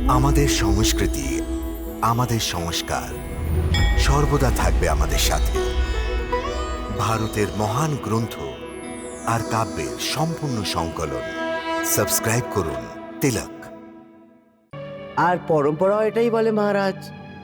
আমাদের সংস্কৃতি, আমাদের সংস্কার সর্বদা থাকবে আমাদের সাথে। ভারতের মহান গ্রন্থ আর কাব্যের সম্পূর্ণ সংকলন। সাবস্ক্রাইব করুন তিলক। আর পরম্পরা এটাই বলে মহারাজ।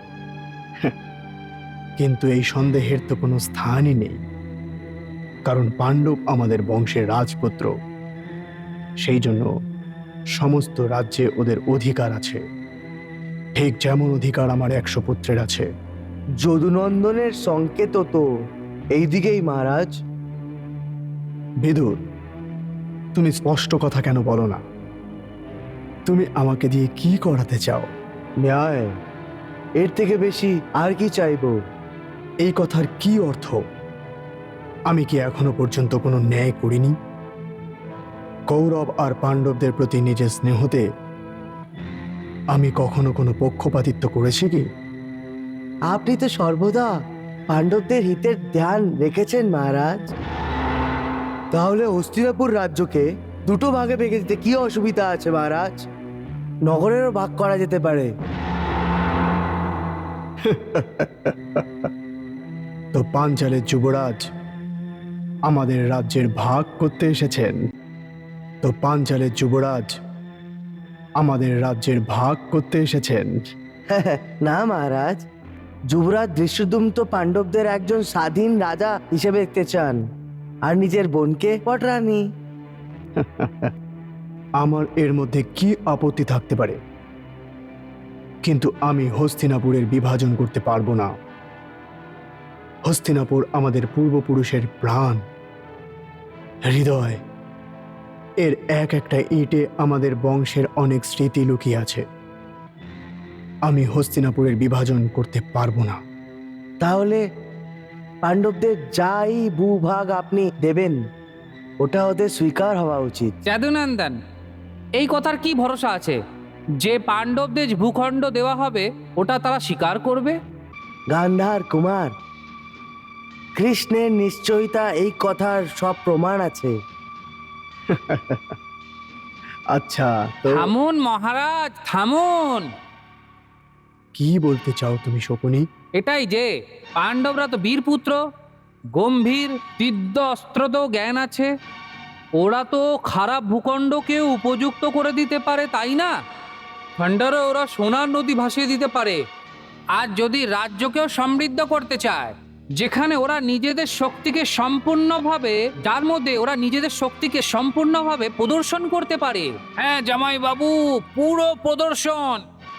কিন্তু এই সন্দেহের তো কোনো স্থানই নেই, কারণ পাণ্ডব আমাদের বংশের রাজপুত্র। সেই জন্য সমস্ত রাজ্যে ওদের অধিকার আছে, ঠিক যেমন অধিকার আমার 100 পুত্রের আছে। যদুনন্দনের সংকেত তো এইদিকেই মহারাজ। বিদুর, তুমি স্পষ্ট কথা কেন বলো না? তুমি আমাকে দিয়ে কি করাতে চাও? ন্যায়, এর থেকে বেশি আর কি চাইবো? এই কথার কি অর্থ? আমি কি এখনো পর্যন্ত কোনো ন্যায় করিনি? কৌরব আর পাণ্ডবদের প্রতি নিজের স্নেহতে আমি কখনো কোনো পক্ষপাতিত্ব করেছি কি? আপনি তো সর্বদা পাণ্ডবদের হিতের ধ্যান রেখেছেন মহারাজ। তাহলে হস্তিনাপুর রাজ্যকে দুটো ভাগে ভেঙে দিতে কি অসুবিধা আছে মহারাজ? নগরেরও ভাগ করা যেতে পারে। তো পাঞ্চালের যুবরাজ আমাদের রাজ্যের ভাগ করতে এসেছেন। তো পাঞ্চালের যুবরাজ আমাদের রাজ্যের ভাগ করতে এসেছেন। না মহারাজ, যুবরাজ দৃশ্যদুম তো পাণ্ডবদের একজন স্বাধীন রাজা হিসেবে দেখতে চান, আর নিজের বোনকে পটরানী। আমার এর মধ্যে কি আপত্তি থাকতে পারে? কিন্তু আমি হস্তিনাপুরের বিভাজন করতে পারবো না। হস্তিনাপুর আমাদের পূর্বপুরুষের প্রাণ, হৃদয়। এর এক একটা ইঁটে আমাদের বংশের অনেক স্মৃতি লুকিয়ে আছে। আমি হস্তিনাপুরের বিভাজন করতে পারবো না। তাহলে পাণ্ডবদের যাই ভূভাগ আপনি দেবেন, ওটা ওদের স্বীকার হওয়া উচিত। যদুনন্দন, এই কথার কি ভরসা আছে যে পাণ্ডবদের ভূখণ্ড দেওয়া হবে ওটা তারা স্বীকার করবে? গান্ধার কুমার, কৃষ্ণের নিশ্চয়তা এই কথার সব প্রমাণ আছে। আচ্ছা, তো থামুন মহারাজ, থামুন। কি বলতে চাও তুমি শকুনি? এটাই যে পাণ্ডবরা তো বীরপুত্র, গম্ভীর দিব্য অস্ত্রত জ্ঞান আছে। ওরা তো খারাপ ভূখণ্ডকেও উপযুক্ত করে দিতে পারে, তাই না? খণ্ডারে ওরা সোনার নদী ভাসিয়ে দিতে পারে। আর যদি রাজ্যকেও সমৃদ্ধ করতে চায়, যেখানে ওরা নিজেদের শক্তিকে সম্পূর্ণভাবে, যার মধ্যে ওরা নিজেদের শক্তিকে সম্পূর্ণভাবে প্রদর্শন করতে পারে। হ্যাঁ জামাই বাবু, পুরো প্রদর্শন।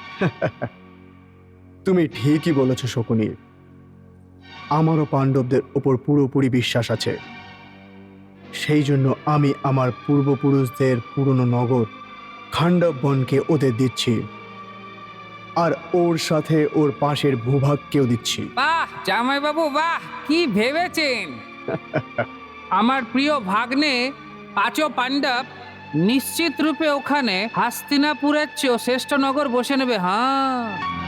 তুমি ঠিকই বলেছ শকুনি। আমারও পাণ্ডবদের ওপর পুরোপুরি বিশ্বাস আছে। সেই জন্য আমি আমার পূর্বপুরুষদের পুরনো নগর খাণ্ডব বনকে ওদের দিচ্ছি, আর ওর সাথে ওর পাশের ভূভাগকেও দিচ্ছি। বাহ জামাই বাবু, বাহ, কি ভেবেছেন! আমার প্রিয় ভাগ্নে পাঁচ পাণ্ডব নিশ্চিত রূপে ওখানে হস্তিনাপুরের চেয়েও শ্রেষ্ঠ নগর বসে নেবে। হ্যাঁ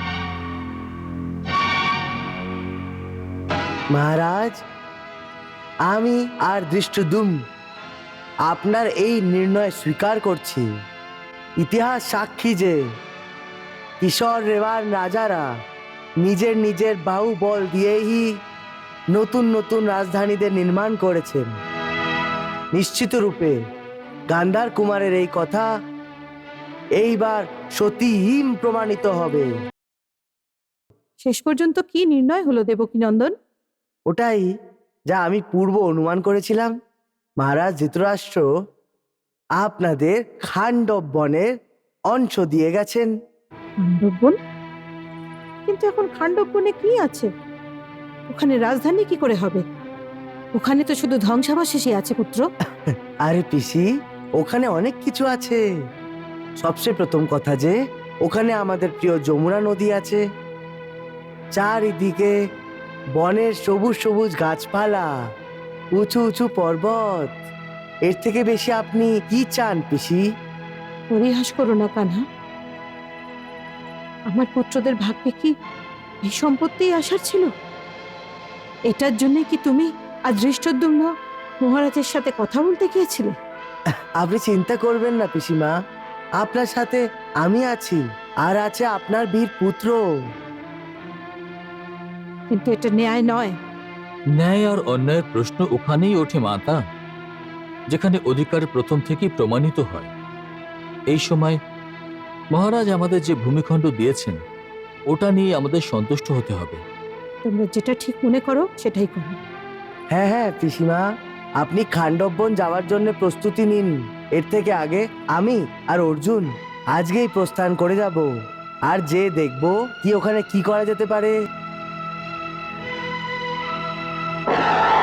মহারাজ, আমি আর দৃষ্টদুম আপনার এই নির্ণয় স্বীকার করছি। ইতিহাস সাক্ষী যে কিশোর রেওয়ার রাজারা নিজের নিজের বাহুবল দিয়েই নতুন নতুন রাজধানীদের নির্মাণ করেছেন। নিশ্চিত রূপে গান্ধার কুমারের এই কথা এইবার সতীহীন প্রমাণিত হবে। শেষ পর্যন্ত কি নির্ণয় হলো দেবকীনন্দন? ওটাই যা আমি পূর্ব অনুমান করেছিলাম। মহারাজ ধৃতরাষ্ট্র আপনাদের খাণ্ডব বনের অংশ দিয়ে গেছেন। খাণ্ডববন? কিন্তু এখন খাণ্ডববনে কি আছে? ওখানে রাজধানী কি করে হবে? ওখানে তো শুধু ধ্বংসাবশেষই আছে পুত্র। আরে পিসি, ওখানে অনেক কিছু আছে। সবচেয়ে প্রথম কথা যে ওখানে আমাদের প্রিয় যমুনা নদী আছে। চারিদিকে বনের সবুজ সবুজ গাছপালা, উঁচু উঁচু পর্বত। এর থেকে বেশি আপনি কি চান পিসি? পরিহাস করো না কানহা। আমার পুত্রদের ভাগ্যে কি এই সম্পত্তিই আসার ছিল? এটার জন্য কি তুমি আর দৃষ্টদ্যুম্ন মহারাজের সাথে কথা বলতে গিয়েছিলে? আপনি চিন্তা করবেন না পিসিমা, আপনার সাথে আমি আছি, আর আছে আপনার বীর পুত্র। কিন্তু এটা ন্যায় নয়। ন্যায় আর অন্যায়ের প্রশ্ন ওখানেই ওঠে মাতা, যেখানে অধিকার প্রথম থেকেই প্রমাণিত হয়। এই সময় মহারাজ আমাদের যে ভূমিখণ্ড দিয়েছেন ওটা নিয়ে আমাদের সন্তুষ্ট হতে হবে। তোমরা যেটা ঠিক মনে করো সেটাই করো। হ্যাঁ হ্যাঁ পিসিমা, আপনি খান্ডববন যাওয়ার জন্য প্রস্তুতি নিন। এর থেকে আগে আমি আর অর্জুন আজকেই প্রস্থান করে যাব, আর যে দেখব কি ওখানে কি করা যেতে পারে।